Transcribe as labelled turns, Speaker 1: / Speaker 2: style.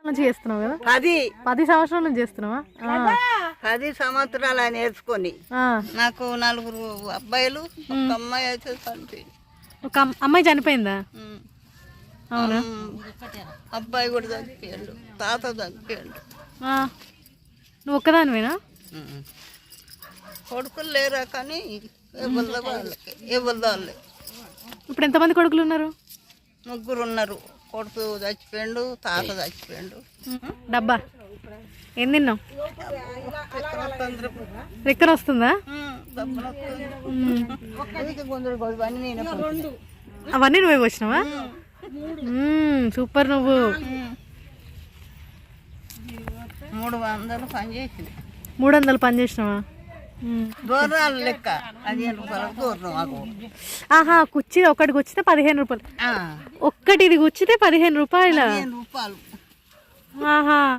Speaker 1: నుంచి చేస్తున్నావు కదా?
Speaker 2: 10
Speaker 1: సంవత్సరాల నుంచి చేస్తున్నావా?
Speaker 2: 10 సంవత్సరాలు ఆయన నేర్చుకొని నాకు 4 అబ్బాయిలు ఒక అమ్మాయి అయితే చనిపోయింది.
Speaker 1: ఒక అమ్మాయి చనిపోయిందా? అవునా?
Speaker 2: అబ్బాయి కూడా చనిపోయాడు, తాత చనిపోయాడు.
Speaker 1: నువ్వు ఒక్కదానివేనా?
Speaker 2: కొడుకులు లేరా కానీ వాళ్ళే.
Speaker 1: ఇప్పుడు ఎంతమంది కొడుకులు ఉన్నారు?
Speaker 2: 3 ఉన్నారు. కొడుకు చచ్చిపోయాడు, తాత చచ్చిపోయాడు.
Speaker 1: డబ్బా ఏం తిన్నావు? రెక్కన వస్తుందా? అవన్నీ నువ్వే వచ్చినావా? సూపర్. నువ్వు
Speaker 2: 300 పని చేసింది.
Speaker 1: 300 పని చేసినావా?
Speaker 2: దూరాలు లెక్క 15 రూపాయలు దూరం.
Speaker 1: ఆహా, కుర్చీ ఒకటి గుచ్చితే 15 రూపాయలు. ఒక్కటి ఇది గుచ్చితే 15 రూపాయలు.
Speaker 2: రూపాయలు.
Speaker 1: ఆహా.